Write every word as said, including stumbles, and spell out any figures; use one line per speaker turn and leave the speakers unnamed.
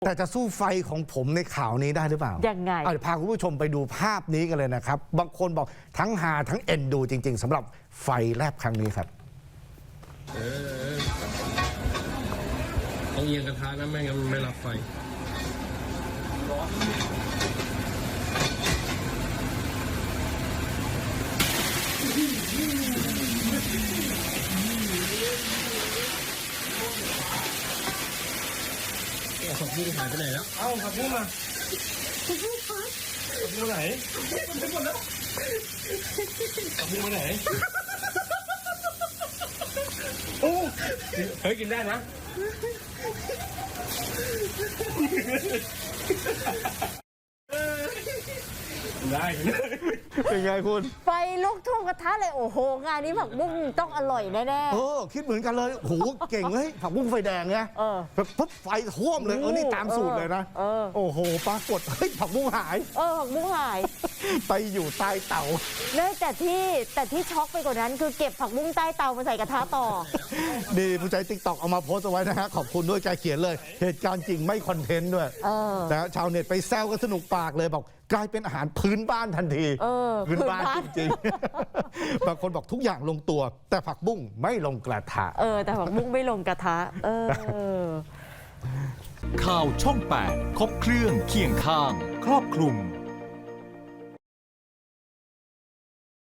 แต่จะสู้ไฟของผมในข่าวนี้ได้หรือเปล่า
ยังไง
เอาเดี๋ยวพาคุณผู้ชมไปดูภาพนี้กันเลยนะครับ บางคนบอกทั้งหาทั้งเอ็นดูจริง ๆสำหรับไฟแลบครั้งนี้ครับ
เออต้องเอียงกระทะนะไม่งั้นมันไม่รับไฟผักบุ้งหายไปไหนแล้วเอ้าผักบุ้งมาผักบุ้งคะผักบุ้งไหนผักบุ้งหมดแล้วผักบุ้งไปไหนโอ้เฮ้ยกินได้นะได้
เป็นไงคุณ
ไฟลุกท่วมกระทะเลยโอ้โหงานนี้ผักบุ้งต้องอร่อยแน่
เออคิดเหมือนกันเลยโอ้โหเก่งเลยผักบุ้งไฟแดงไง
เออ
แบบปุ๊บไฟท่วมเลยเออนี่ตามสูตรเลยนะ
เออ
โอ้โหปรากฏเฮ้ยผักบุ้งหาย
ๆเออผักบุ้งหาย
ไปอยู่ใต้เตา
เนื่องแต่ที่แต่ที่ช็อกไปกว่านั้นคือเก็บผักบุ้งใต้เตามาใส่กระทะต่อ
นี่ผู้ใช้ติ๊กต็อกเอามาโพสต์เอาไว้นะฮะขอบคุณด้วยแกเขียนเลย เหตุการณ์จริงไม่คอนเทนต์ด้วย
เออ
นะชาวเน็ตไปแซวกันสนุกปากเลยบอกกลายเป็นอาหารพื้นบ้านทันที
เออ
พื้นบ้าน
พื้นบ้าน
จริงๆ บางคนบอกทุกอย่างลงตัว แต่ผักบุ้งไม่ลงกระทะ
เออแต่ผักบุ้งไม่ลงกระทะ เออ
ข่าวช่องแปดครบเครื่องเคียงข้าง ครอบคลุม